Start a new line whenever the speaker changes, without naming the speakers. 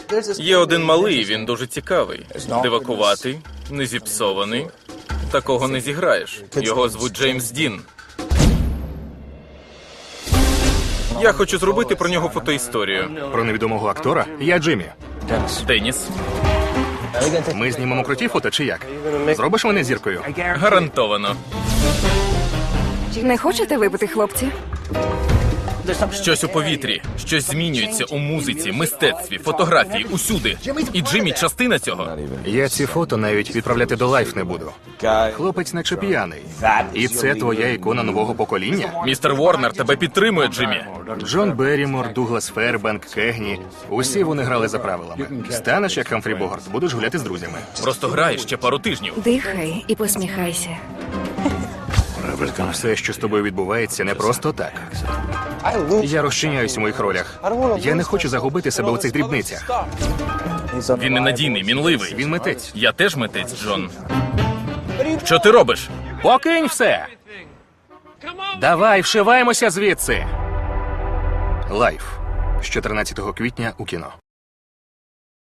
Є один малий, він дуже цікавий. Дивакуватий, не зіпсований. Такого не зіграєш. Його звуть Джеймс Дін. Я хочу зробити про нього фотоісторію.
Про невідомого актора? Я Джиммі.
Деніс.
Ми знімемо круті фото чи як? Зробиш мене зіркою?
Гарантовано.
Не хочете випити, хлопці?
Щось у повітрі, щось змінюється у музиці, мистецтві, фотографії, усюди. І Джиммі частина цього.
Я ці фото навіть відправляти до лайф не буду. Хлопець наче п'яний. І це твоя ікона нового покоління?
Містер Ворнер тебе підтримує, Джиммі.
Джон Беррімор, Дуглас Фербанк, Кегні. Усі вони грали за правилами. Станеш як Хамфрі Богарт, будеш гуляти з друзями.
Просто грай ще пару тижнів.
Дихай і посміхайся.
Все, що з тобою відбувається, не просто так. Я розчиняюсь у моїх ролях. Я не хочу загубити себе у цих дрібницях.
Він ненадійний, мінливий.
Він митець.
Я теж митець, Джон. Що ти робиш?
Покинь все! Давай, вшиваємося звідси! Лайф. З 14 квітня у кіно.